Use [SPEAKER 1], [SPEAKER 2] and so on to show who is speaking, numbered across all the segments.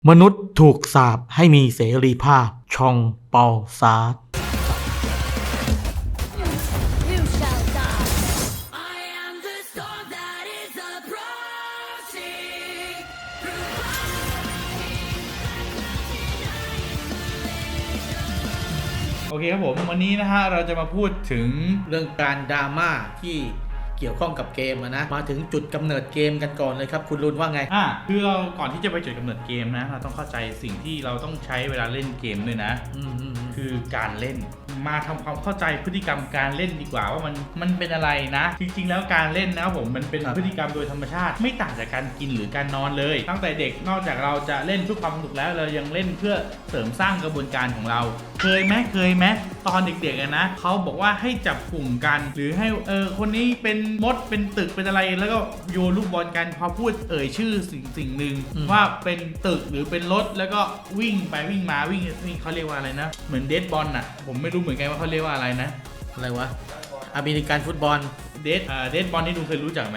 [SPEAKER 1] มนุษย์ถูกสาปให้มีเสรีภาพชองเปาซาร์
[SPEAKER 2] You shall die. I am the storm that is approaching.
[SPEAKER 3] โอเคครับผมวันนี้นะฮะเราจะมาพูดถึง
[SPEAKER 1] เรื่องการดราม่าที่เกี่ยวข้องกับเกมนะมาถึงจุดกำเนิดเกมกันก่อนเลยครับคุณรุนว่าไง
[SPEAKER 3] คือเราก่อนที่จะไปจุดกำเนิดเกมนะเราต้องเข้าใจสิ่งที่เราต้องใช้เวลาเล่นเกมด้วยนะคือการเล่นมาทำความเข้าใจพฤติกรรมการเล่นดีกว่าว่ามันเป็นอะไรนะจริงๆแล้วการเล่นนะครับผมมันเป็นพฤติกรรมโดยธรรมชาติไม่ต่างจากการกินหรือการนอนเลยตั้งแต่เด็กนอกจากเราจะเล่นเพื่อความสนุกแล้วเรายังเล่นเพื่อเสริมสร้างกระบวนการของเราเคยไหมตอนเด็กๆนะเขาบอกว่าให้จับกลุ่มกันหรือให้คนนี้เป็นมดเป็นตึกเป็นอะไรแล้วก็โยนลูกบอลกันพอพูดชื่อสิ่งหนึ่งว่าเป็นตึกหรือเป็นรถแล้วก็วิ่งไปวิ่งมาวิ่งเขาเรียกว่าอะไรนะเหมือนเดดบอลน่ะผมไม่รู้เหมือนกันว่าเขาเรียกว่าอะไรนะ
[SPEAKER 1] อะไรวะอเมริกันฟุตบอล
[SPEAKER 3] เดดบอลที่ดูเคยรู้จักไหม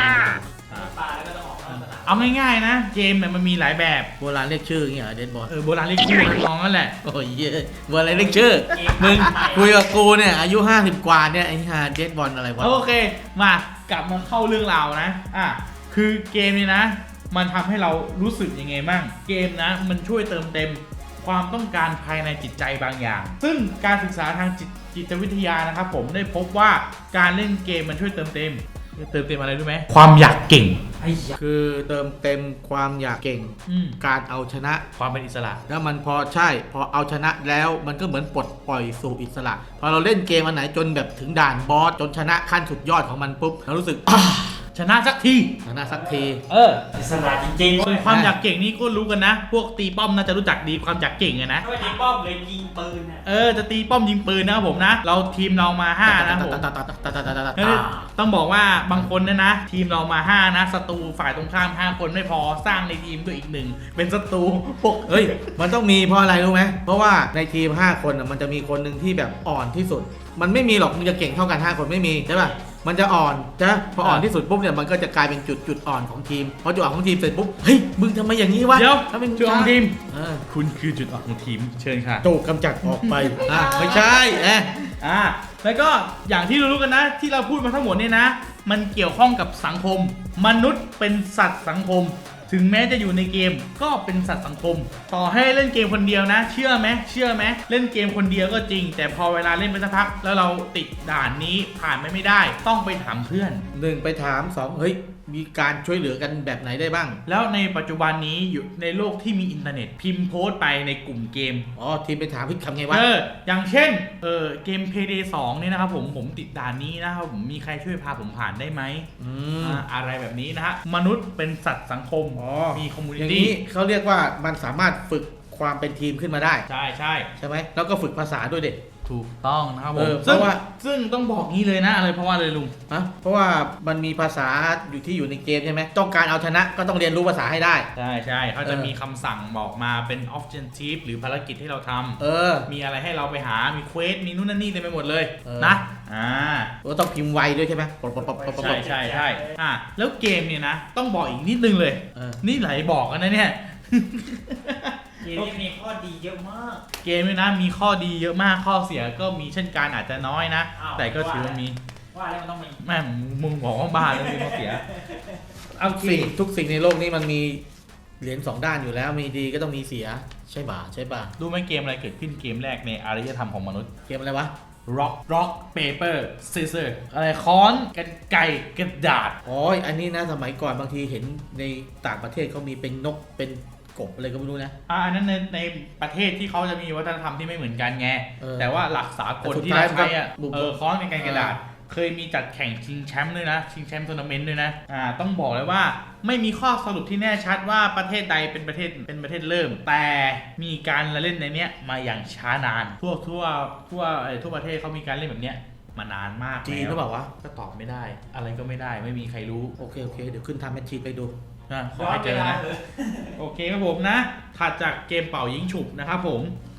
[SPEAKER 3] เอาง่ายๆนะเกมเนี่ยมันมีหลายแบบ
[SPEAKER 1] โบราณเรียกชื่ออย่างเงี้ยเดดบอล
[SPEAKER 3] โบราณเรียกชื่อน้องนั่นแหละ
[SPEAKER 1] โอ้ยโบราณเรียกชื่อมึงคุยกับกูเนี่ยอายุ50กว่าเนี่ยไอ้ห่าเดดบอลอะไรวะ
[SPEAKER 3] โอเคมากลับมาเข้าเรื่องราวนะคือเกมนี้นะมันทำให้เรารู้สึกยังไงบ้างเกมนะมันช่วยเติมเต็มความต้องการภายในจิตใจบางอย่างซึ่งการศึกษาทางจิตวิทยานะครับผมได้พบว่าการเล่นเกมมันช่วยเติมเต็มอะไรรู้ไหมความอยากเก่ง
[SPEAKER 1] คือเติมเต็มความอยากเก่งการเอาชนะ
[SPEAKER 3] ความเป็นอิสระ
[SPEAKER 1] แล้วมันพอเอาชนะแล้วมันก็เหมือนปลดปล่อยสู่อิสระพอเราเล่นเกมอันไหนจนแบบถึงด่านบอสจนชนะขั้นสุดยอดของมันปุ๊บเรารู้สึก
[SPEAKER 3] ชนะสักที
[SPEAKER 4] อิสระจริงๆ
[SPEAKER 3] ส่วนความอยากเก่งนี่ก็รู้กันนะพวกตีป้อมน่าจะรู้จักดีความอยากเก่งไงนะ
[SPEAKER 4] ตีป้อมเลยยิงปืน
[SPEAKER 3] จะตีป้อมยิงปืนนะครับผมนะเราทีมเรามา5นะผมต้องบอกว่าบางคนนะทีมเรามา5นะศัตรูฝ่ายตรงข้าม5คนไม่พอสร้างในทีมด้วยอีก1เป็นศัตรูพวก
[SPEAKER 1] มันต้องมีเพราะอะไรรู้ไหมเพราะว่าในทีม5คนมันจะมีคนหนึ่งที่แบบอ่อนที่สุดมันไม่มีหรอกมึงจะเก่งเท่ากัน5คนไม่มีใช่ป่ะมันจะอ่อนนะพออ่อนที่สุดปุ๊บเนี่ยมันก็จะกลายเป็นจุดอ่อนของทีมพอจุดอ่อนของทีมเสร็จปุ๊บเฮ้ยมึงทำไมอย่างนี้วะ
[SPEAKER 3] เดี๋ยว
[SPEAKER 1] ถ้าเป็น
[SPEAKER 3] จุดอ่อนทีมคุณคือจุดอ่อนของทีมเชิญค่ะ
[SPEAKER 1] ถูกกำจัดออกไปไม่ใช่
[SPEAKER 3] แล้วก็อย่างที่รู้กันนะที่เราพูดมาทั้งหมดเนี่ยนะมันเกี่ยวข้องกับสังคมมนุษย์เป็นสัตว์สังคมถึงแม้จะอยู่ในเกมก็เป็นสัตว์สังคมต่อให้เล่นเกมคนเดียวนะเชื่อไหมเล่นเกมคนเดียวก็จริงแต่พอเวลาเล่นไปสักพักแล้วเราติดด่านนี้ผ่านไม่ได้ต้องไปถามเพื่อน
[SPEAKER 1] 1ไปถาม2เฮ้ยมีการช่วยเหลือกันแบบไหนได้บ้าง
[SPEAKER 3] แล้วในปัจจุบันนี้อยู่ในโลกที่มีอินเทอร์เน็ตพิมพ์โพสต์ไปในกลุ่มเกม
[SPEAKER 1] ทีมไปถามพี่ทำไงวะ
[SPEAKER 3] อย่างเช่นเกม Payday 2นี่นะครับผมติดด่านนี้นะครับผมมีใครช่วยพาผมผ่านได้ไหมอะไรแบบนี้นะฮะมนุษย์เป็นสัตว์สังคมมีคอมมูนิตี้
[SPEAKER 1] อย่างนี้เขาเรียกว่ามันสามารถฝึกความเป็นทีมขึ้นมาได้
[SPEAKER 3] ใช่
[SPEAKER 1] ไหมแล้วก็ฝึกภาษาด้วยเด็ก
[SPEAKER 3] ถูกต้องนะครับผมซึ่งต้องบอกงี้เลยนะอะไรเพราะว่าเลยลุง
[SPEAKER 1] เพราะว่ามันมีภาษาอยู่ในเกมใช่ไหมต้องการเอาชนะก็ต้องเรียนรู้ภาษาให้ได้
[SPEAKER 3] ใช่เขาจะมีคำสั่งบอกมาเป็น objective หรือภารกิจที่เราทำมีอะไรให้เราไปหามีเควสมีนู่นนั่นนี่เต็มไปหมดเลยนะ
[SPEAKER 1] ก็ต้องพิมพ์ไวด้วยใช่ไหม
[SPEAKER 3] ใช่แล้วเกมเนี่ยนะต้องบอกอีกนิดนึงเลยนี่ไหลบอกกันนะเนี่ย
[SPEAKER 4] เกมมีข้อดีเยอะมาก
[SPEAKER 3] เกมเนี่ยนะมีข้อดีเยอะมากข้อเสียก็มีเช่นกันอาจจะน้อยนะแต่ก็ถือว่ามี
[SPEAKER 4] ว่าแล้วมันต้องมี
[SPEAKER 3] แม่มึงบอกว่าบ้าแล้วมีข้อเสีย
[SPEAKER 1] เอาทุกสิ่งในโลกนี้มันมีเหรียญ2ด้านอยู่แล้วมีดีก็ต้องมีเสียใช่ป่ะ
[SPEAKER 3] ดูไหมเกมอะไรเกิดขึ้นเกมแรกในอารยธรรมของมนุษย์
[SPEAKER 1] เกมอะไรวะ
[SPEAKER 3] rock paper scissor อะไรค้อนกันไก่กระดาษ
[SPEAKER 1] อันนี้นะสมัยก่อนบางทีเห็นในต่างประเทศเขามีเป็นนกเป็นกบอะไรก็ไม่รู้นะ
[SPEAKER 3] อันนั้นในประเทศที่เขาจะมีวัฒนธรรมที่ไม่เหมือนกันไงแต่ว่าหลักสากลที่เราใช้ค้อนกันไก่กระดาษเคยมีจัดแข่งชิงแชมป์ด้วยนะชิงแชมป์ทัวร์นาเมนต์ด้วยนะต้องบอกเลยว่าไม่มีข้อสรุปที่แน่ชัดว่าประเทศใดเป็นประเทศเริ่มแต่มีการเล่นในเนี้ยมาอย่างช้านานทั่วประเทศเขามีการเล่นแบบเนี้ยมานานมาก
[SPEAKER 1] จีนหรือเปล่าวะ
[SPEAKER 3] ก็ตอบไม่ได้อะไรก็ไม่ได้ไม่มีใครรู้
[SPEAKER 1] โอเคเดี๋ยวขึ้นทำแมทชีไปดู
[SPEAKER 3] ขอให้เจอนะโอเคครับผมนะถัดจากเกมเป่ายิงฉุบนะครับผม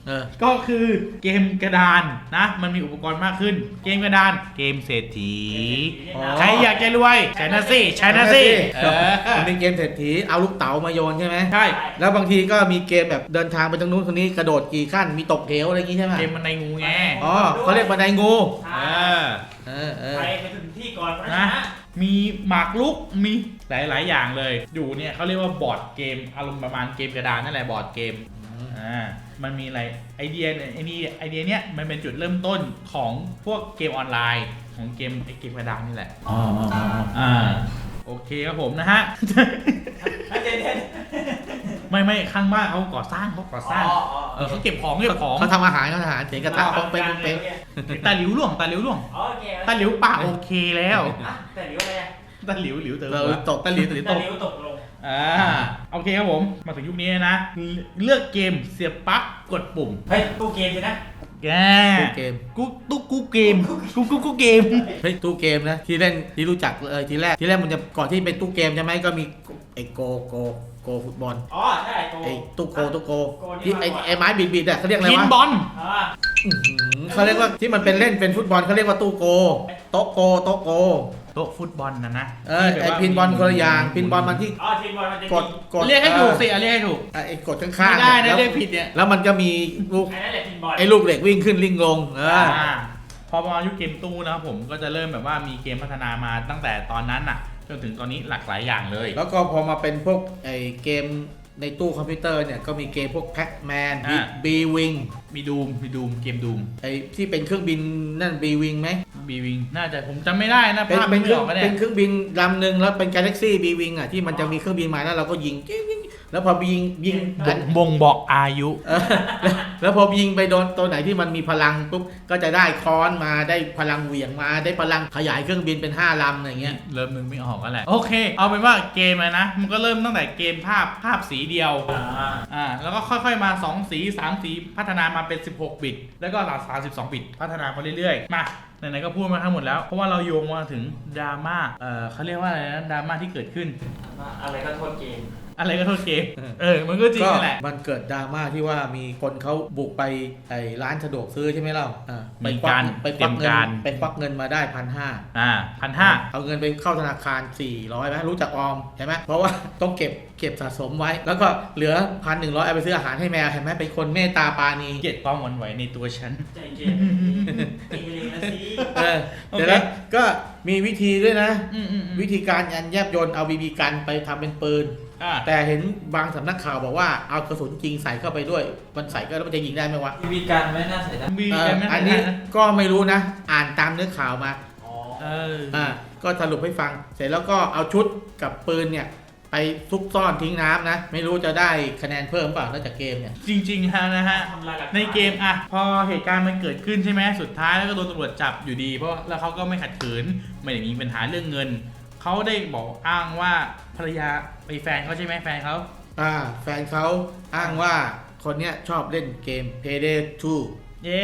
[SPEAKER 3] ก็คือเกมกระดานนะมันมีอุปกรณ์มากขึ้น เกมกระดานเกมเศรษฐี
[SPEAKER 1] อ๋อ
[SPEAKER 3] ใครอยากจะรวยใช้นะสิใช้นะสิ
[SPEAKER 1] มันเป็นเกมเศรษฐีเอาลูกเต๋ามาโยนใช่ไหม
[SPEAKER 3] ใช่
[SPEAKER 1] แล้วบางทีก็มีเกมแบบเดินทางไปตรงนู้นตรงนี้กระโดดกี่ขั้นมีตกเหวอะไรอย่างงี้ใช่ไหม
[SPEAKER 3] เกมมันในงูไง
[SPEAKER 1] อ๋อเขาเรียกบันไดงู
[SPEAKER 3] เออ
[SPEAKER 4] ใครไปถึงที่ก่อนนะ
[SPEAKER 3] นะมีหมากรุกมีหลาย ๆ อย่างเลยอยู่เนี่ยเขาเรียกว่าบอร์ดเกมอารมณ์ประมาณเกมกระดานนั่นแหละบอร์ดเกมมันมีอะไรไอเดียเนี้ยมันเป็นจุดเริ่มต้นของพวกเกมออนไลน์ของเกมกระดานนี่แหละ
[SPEAKER 1] อ๋อ
[SPEAKER 3] โอเคครับผมนะฮะ
[SPEAKER 4] เดี๋ยว
[SPEAKER 3] ไม่ข้างบ้านเขาก่อสร้างเขาเก็บของ
[SPEAKER 1] เขาทำอาหารเสียงกระทะปองเป็น
[SPEAKER 3] ตาหลิวหลวง
[SPEAKER 4] โอเค
[SPEAKER 3] ตาหลิวป่าโอเคแล้ว
[SPEAKER 4] แต่หลิวอะไร
[SPEAKER 3] ตาหลิวเติม
[SPEAKER 1] ตกตะหลิว
[SPEAKER 4] แต่หลิวตกลง
[SPEAKER 3] โอเคครับผมมาถึงยุคนี้นะเลือกเกมเสียบปลั๊กกดปุ่ม
[SPEAKER 4] เฮ้ยตู้เกมใช่ไหม
[SPEAKER 3] แก
[SPEAKER 1] ตู้เกม
[SPEAKER 3] กูเกมกูเกม
[SPEAKER 1] เฮ้ยตู้เกมนะที่เล่นที่รู้จักทีแรกมันจะก่อนที่เป็นตู้เกมใช่ไหมก็มีไอ้โกฟุตบอล
[SPEAKER 4] อ๋อใช่โก
[SPEAKER 1] ไอ้ตู้โกที่ไอ้ไม้บิดอ่ะเขาเรียกอะไร
[SPEAKER 3] พิน
[SPEAKER 1] วะ
[SPEAKER 3] บอล
[SPEAKER 1] เขาเรียกว่าที่มันเป็นเล่นเป็นฟุตบอลเขาเรียกว่าตู้โกโต๊ะโก
[SPEAKER 3] โต๊ะฟุตบอลนะ
[SPEAKER 1] ไอ้พินบอลคนละอย่างพินบอลมันที่
[SPEAKER 4] อ๋อทีมบอลมันจะ
[SPEAKER 1] กด
[SPEAKER 3] เรียกให้ถูกสิเรียกให้ถูก
[SPEAKER 1] ไอ้กดข้าง
[SPEAKER 3] ไม่
[SPEAKER 1] ๆ
[SPEAKER 3] ได้นะ
[SPEAKER 1] แล้ว
[SPEAKER 3] เรียกผิดเนี่ย
[SPEAKER 1] แล้วมันก็มีลูก
[SPEAKER 4] อันนั้นแหละทีมบอล
[SPEAKER 1] ไอ้ลูกเหล็กวิ่งขึ้นลิงลง
[SPEAKER 3] พอมายุคเกมตู้นะครับผมก็จะเริ่มแบบว่ามีเกมพัฒนามาตั้งแต่ตอนนั้นน่ะจนถึงตอนนี้หลากหลายอย่างเลย
[SPEAKER 1] แล้วก็พอมาเป็นพวกไอ้เกมในตู้คอมพิวเตอร์เนี่ยก็มีเกมพวกแพ็กแมนบีวิง
[SPEAKER 3] มีดูมเกมดูม
[SPEAKER 1] ไอ้ที่เป็นเครื่องบินนั่นบีวิงไหม
[SPEAKER 3] บีวิงน่าจะผมจำไม่ได้นะ
[SPEAKER 1] เป็น
[SPEAKER 3] ภาพ
[SPEAKER 1] เป็
[SPEAKER 3] ไม่
[SPEAKER 1] นเครื่
[SPEAKER 3] อ
[SPEAKER 1] อง
[SPEAKER 3] อกก็ได้
[SPEAKER 1] เป็นเครื่องบินลำหนึ่งแล้วเป็นกาแล็กซี่บีวิงอ่ะที่มันจะมีเครื่องบินมาแล้วเราก็ยิงแล้วพอยิง
[SPEAKER 3] บ่งบอกอายุ
[SPEAKER 1] แล้วพอยิงไปโดนตัวไหนที่มันมีพลังปุ๊บก็จะได้ค้อนมาได้พลังเหวี่ยงมาได้พลังขยายเครื่องบินเป็น5 ลำอะไรเงี้ย
[SPEAKER 3] เริ่มนึงไม่ออกก็แหละโอเค เอาเป็นว่าเกมนะมันก็เริ่มตั้งแต่เกมภาพสีเดียวแล้วก็ค่อยๆมา2สี3สีพัฒนามาเป็น16บิตแล้วก็32บิตพัฒนามาเรื่อยๆมาไหนๆก็พูดมาทั้งหมดแล้วเพราะว่าเราโยงมาถึงดราม่าเขาเรียกว่าอะไรนะดราม่าที่เกิดขึ้น
[SPEAKER 4] อะไรก็โทษเกม
[SPEAKER 3] อะไรก็โทษเกมมันก็จริงนั่นแหละ
[SPEAKER 1] มันเกิดดราม่าที่ว่ามีคนเขาบุกไปไอ้ร้านสะดวกซื้อใช่ไหมเล่าไปควักเงินมาได้1,500
[SPEAKER 3] 1,500
[SPEAKER 1] เอาเงินไปเข้าธนาคาร400ไหมรู้จักออมใช่ไหมเพราะว่าต้องเก็บสะสมไว้ แล้วก็เหลือ1,100เอาไปซื้ออาหารให้แมวเห็นไหมเป็นคนเมตตาปราณี
[SPEAKER 3] เกลียดความหวั่นไหวในตัวฉัน
[SPEAKER 4] ใจเกมเกมเลยนะสิ
[SPEAKER 1] เดี๋ยวแล้วก็มีวิธีด้วยนะ
[SPEAKER 3] วิ
[SPEAKER 1] วิธีการอันแยบยลเอาบีบีกันไปทำเป็นปืนแต่เห็นบางสำนักข่าวบอกว่าเอากระสุนจริงใส่เข้าไปด้วยมันใส่ก็แล้วมันจะยิงได้ไหมวะ
[SPEAKER 4] มีการไม่น่าใส่ได้
[SPEAKER 1] อันนี้ก็ไม่รู้นะ อ่านตามเนื้อข่าวมา
[SPEAKER 4] อ๋อ
[SPEAKER 1] ก็สรุปให้ฟังเสร็จแล้วก็เอาชุดกับปืนเนี่ยไปซุกซ่อนทิ้งน้ำนะไม่รู้จะได้คะแนนเพิ่มเปล่านอกจากเกมเนี่ย
[SPEAKER 3] จริงๆนะฮะ
[SPEAKER 4] ทำลายหลักฐาน
[SPEAKER 3] ในเกมพอเหตุการณ์มันเกิดขึ้นใช่ไหมสุดท้ายแล้วก็โดนตำรวจจับอยู่ดีเพราะแล้วเขาก็ไม่ขัดขืนไม่ได้มีปัญหาเรื่องเงินเขาได้บอกอ้างว่าภรรยาไปแฟนเขาใช่ไหมแฟนเขา
[SPEAKER 1] แฟนเขาอ้างว่าคนเนี้ยชอบเล่นเกม Payday 2
[SPEAKER 3] เย่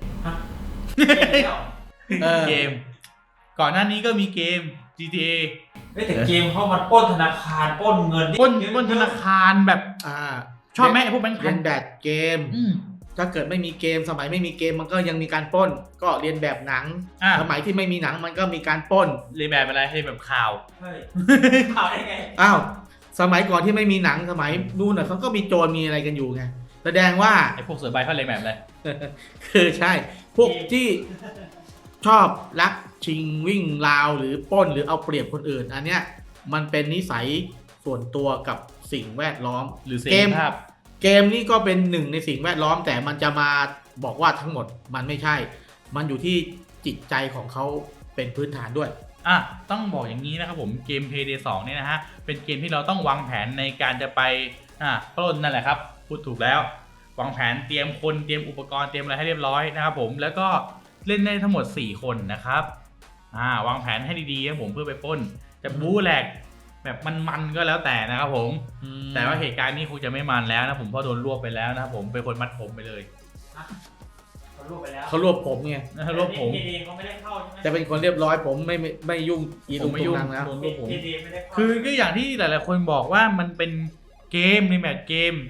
[SPEAKER 1] เกม
[SPEAKER 3] เกมก่อนหน้านี้ก็มีเกม GTA
[SPEAKER 4] แต่เกมเข้ามาปล้นธนาคารปล้นเงิน
[SPEAKER 3] ปล้นธนาคารแบบชอบไหมพวกแบงค์พั
[SPEAKER 1] เรีย
[SPEAKER 3] น
[SPEAKER 1] นแบบเกมถ้าเกิดไม่มีเกมสมัยไม่มีเกมมันก็ยังมีการปล้นก็เรียนแบบหนังสมัยที่ไม่มีหนังมันก็มีการปล้น
[SPEAKER 3] เรียนแบบอะไรให้แบบข่าว
[SPEAKER 4] เฮ้ยข่าวได้ไง
[SPEAKER 1] อ้าวสมัยก่อนที่ไม่มีหนังสมัยนู่นน่ะเขาก็มีโจรมีอะไรกันอยู่ไงแสดงว่า
[SPEAKER 3] ไอ้พวกเสือใบเขาเรียนแบบอะไร
[SPEAKER 1] คือใช่พวกที่ชอบลักชิงวิ่งราวหรือปล้นหรือเอาเปรียบคนอื่นอันเนี้ยมันเป็นนิสัยส่วนตัวกับสิ่งแวดล้อม
[SPEAKER 3] หรือเส
[SPEAKER 1] เก
[SPEAKER 3] รี
[SPEAKER 1] ม
[SPEAKER 3] ภาพ
[SPEAKER 1] เกมนี้ก็เป็นหนึ่งในสิ่งแวดล้อมแต่มันจะมาบอกว่าทั้งหมดมันไม่ใช่ มันอยู่ที่จิตใจของเขาเป็นพื้นฐานด้วย
[SPEAKER 3] ต้องบอกอย่างนี้นะครับผมเกม Payday 2เนี่ยนะฮะเป็นเกมที่เราต้องวางแผนในการจะไปปล้นนั่นแหละครับพูดถูกแล้ววางแผนเตรียมคนเตรียมอุปกรณ์เตรียมอะไรให้เรียบร้อยนะครับผมแล้วก็เล่นได้ทั้งหมด4คนนะครับวางแผนให้ดีๆครับผมเพื่อไปปล้นจะบู๊แหลกแบบมันๆก็แล้วแต่นะครับผมแต่ว่าเหตุการณ์นี้คงจะไม่มันแล้วนะผมเพราะโดนรวบไปแล้วนะครับผมเป็นคนมัดผมไปเลย
[SPEAKER 4] เขารวบไปแล้ว
[SPEAKER 1] เขารวบผมไง
[SPEAKER 3] รวบผม
[SPEAKER 4] เกมเขาไม่ได้เข้าใช่ไหม
[SPEAKER 1] จะเป็นคนเรียบร้อยผมไม่ยุ่งอี
[SPEAKER 3] ผ
[SPEAKER 1] ลุ
[SPEAKER 3] ม
[SPEAKER 1] ง
[SPEAKER 3] ไม่
[SPEAKER 1] ตุ
[SPEAKER 3] ยุ่
[SPEAKER 1] ง
[SPEAKER 3] ง
[SPEAKER 1] นังแล้ว
[SPEAKER 3] โดนรวบผม
[SPEAKER 4] เกมไม่ได้เข้า
[SPEAKER 3] คือก็อย่างที่หลายๆคนบอกว่ามันเป็นเกมในแบบเกม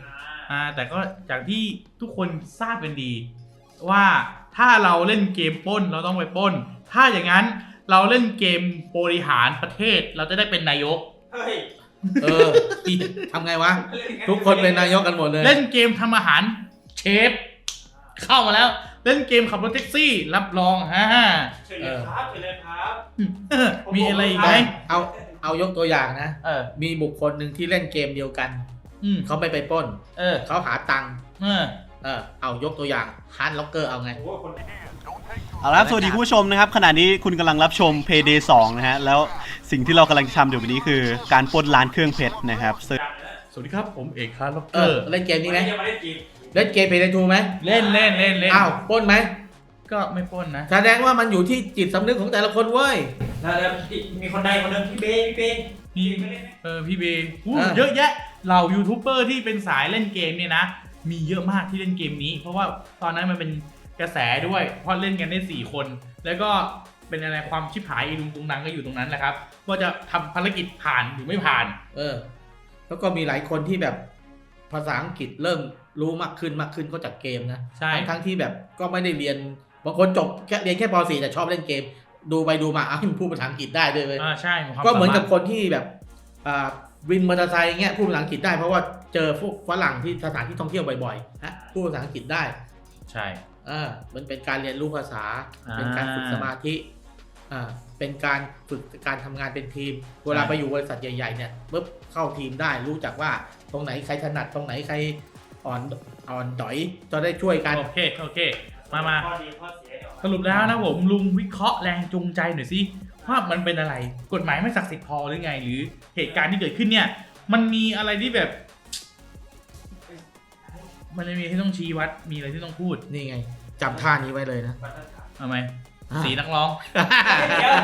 [SPEAKER 3] แต่ก็จากที่ทุกคนทราบกันดี ว่าถ้าเราเล่นเกมปล้นเราต้องไปปล้น ถ้าอย่างนั้นเราเล่นเกมบริหารประเทศเราจะได้เป็นนายก
[SPEAKER 4] เฮ้ย
[SPEAKER 1] ทำไงวะ ทุกคนเป็นนายกกันหมดเลย
[SPEAKER 3] เล่นเกมทำอาหารเชฟเข้ามาแล้วเล่นเกมขับรถแท็กซี่รับรอง
[SPEAKER 4] เชิญเลยครับเชิญเลยครับ
[SPEAKER 3] มีอะไรอีกไหม
[SPEAKER 1] เอายกตัวอย่างนะ
[SPEAKER 3] เออ
[SPEAKER 1] มีบุคคลหนึ่งที่เล่นเกมเดียวกัน เขาไม่ไปปล้น เขาหาตังค์ เอายกตัวอย่างฮาร์ดล็อกเกอร์เอาไง
[SPEAKER 4] โอ้โหคน
[SPEAKER 5] เอาละครับสวัสดีคุณผู้ชมนะครับขณะนี้คุณกำลังรับชม Payday 2 นะฮะแล้วสิ่งที่เรากำลังจะทำเดี๋ยววันนี้คือการปล้นร้านเครื่องเพชรนะครับซึ่ง
[SPEAKER 3] สวัสดีครับผมเอกฮาร์ดล็อกเก
[SPEAKER 1] เอ
[SPEAKER 3] อ
[SPEAKER 1] อ
[SPEAKER 3] ร์
[SPEAKER 1] เล่นเกมนี้ไหม
[SPEAKER 4] ยังไม่ได้จีบ
[SPEAKER 1] เล่นเกมเพย์ได้ทูไหม
[SPEAKER 3] เล่น
[SPEAKER 1] อ้าวปล้นไหม
[SPEAKER 3] ก็ไม่ปล้นนะ
[SPEAKER 1] แสดงว่ามันอยู่ที่จิตสำนึกของแต่ละคนเว้ย
[SPEAKER 4] แล้วมีคนใดคนหนึ่งพี่เบ้
[SPEAKER 3] พี่
[SPEAKER 4] ไม่เล่นไหม
[SPEAKER 3] พี่เบย์
[SPEAKER 1] อ่า
[SPEAKER 3] เยอะแยะเหล่ายูทูบเบอร์ที่เป็นสายเล่นเกมเนี่ยนะมีเยอะมากที่เล่นเกมนี้ เพราะว่าตอนนั้นมันเป็นกระแสด้วยเพราะเล่นกันได้4 คนแล้วก็เป็นอะไรความชิบหายอีลุงตุงนังก็อยู่ตรงนั้นแหละครับว่าจะทำภารกิจผ่านหรือไม่ผ่าน
[SPEAKER 1] แล้วก็มีหลายคนที่แบบภาษาอังกฤษเริ่มรู้มากขึ้นก็จากเกมนะ
[SPEAKER 3] ใช่
[SPEAKER 1] ทั้งที่แบบก็ไม่ได้เรียนบางคนจบเรียนแค่ป .4 แต่ชอบเล่นเกม ดูไปดูมาพูดภาษาอังกฤษได้ด้วยเว้ย
[SPEAKER 3] ใช่ความ
[SPEAKER 1] ก็เหมือนกับ
[SPEAKER 3] สาารถ
[SPEAKER 1] คนที่แบบวินมอเตอร์ไซค์เงี้ยพูดภาษาอังกฤษได้เพราะว่าเจอพวกฝรั่งที่สถานที่ท่องเที่ยวบ่อยๆพูดภาษาอังกฤษได้
[SPEAKER 3] ใช่
[SPEAKER 1] มันเป็นการเรียนรู้ภาษา เป็นการฝึกสมาธิเป็นการฝึกการทำงานเป็นทีมเวลาไปอยู่บริษัทใหญ่ๆเนี่ยปุ๊บเข้าทีมได้รู้จักว่าตรงไหนใครถนัดตรงไหนใครอ่อนดอยจะได้ช่วยกัน
[SPEAKER 3] โอเคมา
[SPEAKER 4] ข้อดีข้อเสียเดี๋ยว
[SPEAKER 3] สรุปแล้วนะผมลุงวิเคราะห์แรงจูงใจหน่อยสิว่ามันเป็นอะไรกฎหมายไม่ศักดิ์สิทธิ์พอหรือไง หรือเหตุการณ์ที่เกิดขึ้นเนี่ยมันมีอะไรที่แบบ มันมีที่ต้องชี้วัดมีอะไรที่ต้องพูด
[SPEAKER 1] นี่ไงจำท่านี้ไว้เลยนะ
[SPEAKER 3] ทำไมสีนักร้อง
[SPEAKER 4] เดี๋ยว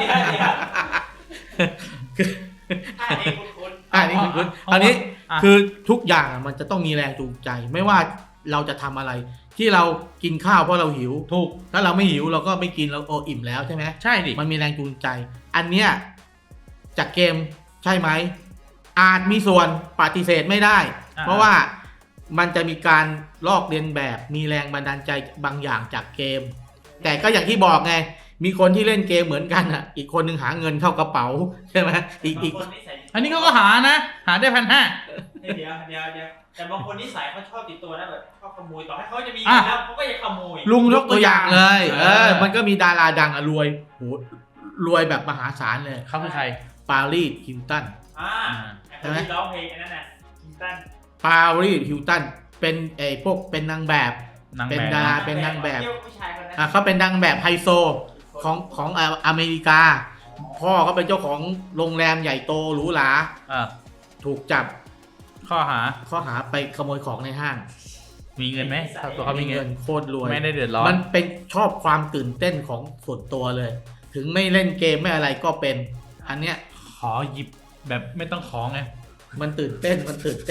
[SPEAKER 4] อันนี้คุณ
[SPEAKER 1] อันนี้คืออันนี้คือทุกอย่างมันจะต้องมีแรงจูงใจ ไม่ว่าเราจะทำอะไร ที่เรากินข้าวเพราะเราหิว
[SPEAKER 3] ถูก
[SPEAKER 1] ถ้าเราไม่หิวเราก็ไม่กินเราอิ่มแล้วใช่ไหม
[SPEAKER 3] ใช่ดิ
[SPEAKER 1] มันมีแรงจูงใจ อันเนี้ยจากเกมใช่ไหมอาจมีส่วนปฏิเสธไม่ได้ เพราะว่ามันจะมีการลอกเลียนแบบมีแรงบันดาลใจบางอย่างจากเกม แต่ก็อย่างที่บอกไงมีคนที่เล่นเกมเหมือนกันอ่ะอีกคนหนึ่งหาเงินเข้ากระเป๋าใช่ไหมอีก
[SPEAKER 4] คนนิสัย
[SPEAKER 3] อันนี้เขาก็หานะหาได้1,500
[SPEAKER 4] เดี๋ยวแต่บางคนนิสัยเขาชอบติดตัวนะแบบชอบขโมยต่อให้เขาจะมีเงินแล้วเขาก็ยังขโมย
[SPEAKER 3] ลุง
[SPEAKER 1] ยกตัวอย่างเลย มัน
[SPEAKER 3] ก็
[SPEAKER 1] ก็มีดาราดังอะรวยโหรวยแบบมหาศาลเลย
[SPEAKER 3] เขาคือใคร
[SPEAKER 1] ปารีสฮิลตัน
[SPEAKER 4] แต่คนที่ร้องเพลงอันนั้นน่ะคิมตัน
[SPEAKER 1] ปารีสฮิลตันเป็นพวกเป็นนางแบบ
[SPEAKER 3] นาง
[SPEAKER 1] เป็น
[SPEAKER 3] แบบ
[SPEAKER 1] ดาราเป็นนางแบบ
[SPEAKER 4] เที่ยวผู้ชายคนนั้น
[SPEAKER 1] เขาเป็นนางแบบไฮโซของอเมริกา พ่อเขาเป็นเจ้าของโรงแรมใหญ่โตหรูหรา ถูกจับ
[SPEAKER 3] ข้อหา
[SPEAKER 1] ไปขโมยของในห้าง
[SPEAKER 3] มีเงินไหมตัวเขามีเงิน
[SPEAKER 1] โคตรรวย
[SPEAKER 3] ไม่ได้เดือดร้อน
[SPEAKER 1] มันเป็นชอบความตื่นเต้นของส่วนตัวเลย ถึงไม่เล่นเกมไม่อะไรก็เป็น อันเนี้ย
[SPEAKER 3] ขอหยิบแบบไม่ต้องของไง
[SPEAKER 1] มันตื่นเต้น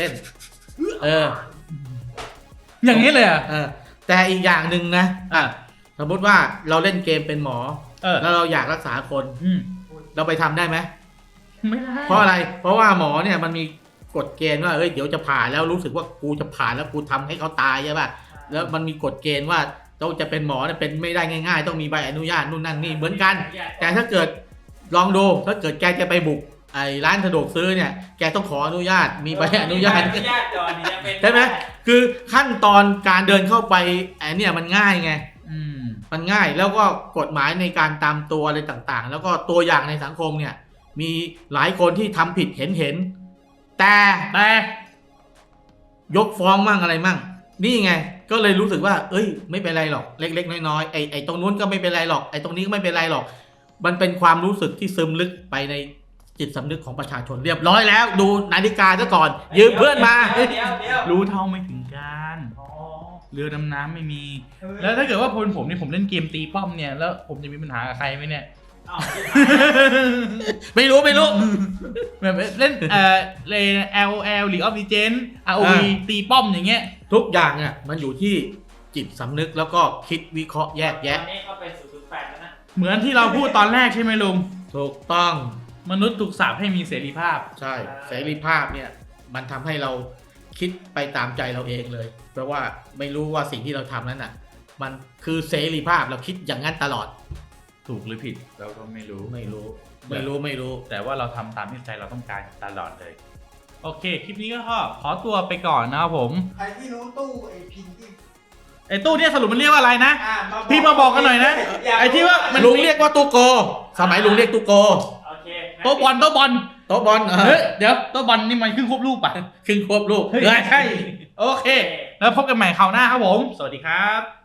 [SPEAKER 3] อย่างนี้เลยอ่ะ
[SPEAKER 1] แต่อีกอย่างหนึ่งนะสมมติว่าเราเล่นเกมเป็นหมอ แล้วเราอยากรักษาคน เราไปทำได้ไหม
[SPEAKER 3] ไม่ได้
[SPEAKER 1] เพราะอะไร เพราะว่าหมอเนี่ยมันมีกฎเกณฑ์ว่าเดี๋ยวจะผ่าแล้วรู้สึกว่ากูจะผ่าแล้วกูทำให้เขาตายใช่ป่ะ แล้วมันมีกฎเกณฑ์ว่าต้องจะเป็นหมอเนี่ยเป็นไม่ได้ง่ายๆ ต้องมีใบอนุญาตนู่นนั่นนี่เหมือนกัน แต่ถ้าเกิดลองดูถ้าเกิดแกจะไปบุกไอ้ร้านสะดวกซื้อเนี่ยแกต้องขออนุญาตมีใบอนุญาต
[SPEAKER 4] ก่อนจะเป็น
[SPEAKER 1] ใช่ไหมคือขั้นตอนการเดินเข้าไปไอ้เนี่ยมันง่ายไงมันง่ายแล้วก็กฎหมายในการตามตัวอะไรต่างๆ แล้วก็ตัวอย่างในสังคมเนี่ยมีหลายคนที่ทำผิดเห็นแต่ยกฟ้องมั่งอะไรมั่งนี่ไงก็เลยรู้สึกว่าไม่เป็นไรหรอกเล็กๆน้อยๆไอ้ตรงนู้นก็ไม่เป็นไรหรอกไอ้ตรงนี้ก็ไม่เป็นไรหรอกมันเป็นความรู้สึกที่ซึมลึกไปในจิตสำนึกของประชาชนเรียบร้อยแล้วดูนาฬิกาซะก่อนยืมเพื่อนมา
[SPEAKER 4] เดี๋ยว
[SPEAKER 3] รู้เท่าไม่ถึงการเรือดำน้ำไม่มี แล้วถ้าเกิดว่าผมนี่ผมเล่นเกมตีป้อมเนี่ยแล้วผมจะมีปัญหากับใครไหมเนี่ย
[SPEAKER 1] ไม่รู้
[SPEAKER 3] แบบเล่นเลย LOL League of Legends ROV ตีป้อมอย่างเงี้ย
[SPEAKER 1] ทุกอย่างอ่ะมันอยู่ที่จิตสำนึกแล้วก็คิดวิเคราะห์แยกแยะ
[SPEAKER 4] ตอนนี้เขาเป็น008แล้วนะ
[SPEAKER 3] เหมือนที่เราพูดตอนแรกใช่ไหมลุง
[SPEAKER 1] ถูกต้อง
[SPEAKER 3] มนุษย์ถูกสาปให้มีเสรีภาพ
[SPEAKER 1] ใช่เสรีภาพเนี่ยมันทำให้เราคิดไปตามใจเราเองเลยแปลว่าไม่รู้ว่าสิ่งที่เราทำนั้นน่ะ มันคือเสรีภาพเราคิดอย่างนั้นตลอด
[SPEAKER 3] ถูกหรือผิดเราก็ไม่รู้
[SPEAKER 1] ไม่รู้
[SPEAKER 3] แต่ว่าเราทำตามที่ใจเราต้องการตลอดเลย โอเค คลิปนี้ก็ขอตัวไปก่อนนะครับผม
[SPEAKER 6] ใครที่รู้ตู้ไอพินที่
[SPEAKER 3] ไอ้ตู้เนี่ยสรุปมันเรียกว่าอะไรนะ
[SPEAKER 6] บอก
[SPEAKER 3] พี่มาบอกกันหน่อยนะ
[SPEAKER 6] ยาก
[SPEAKER 3] ไอ้ที่ว่ามัน
[SPEAKER 1] ลุงเรียกว่าตู้โก สมัยลุงเรียกตู้โก
[SPEAKER 4] โอเค
[SPEAKER 3] โต๊ะบอล
[SPEAKER 1] โต๊ะบอล
[SPEAKER 3] เฮ้ยเดี๋ยวโต๊ะบอลนี่มันขึ้นควบรูปป่ะ
[SPEAKER 1] ครึ่งควบลูก
[SPEAKER 3] เฮ้ยใช่ โอเค แล้วพบกันใหม่คราวหน้าครับผม สวัสดีครับ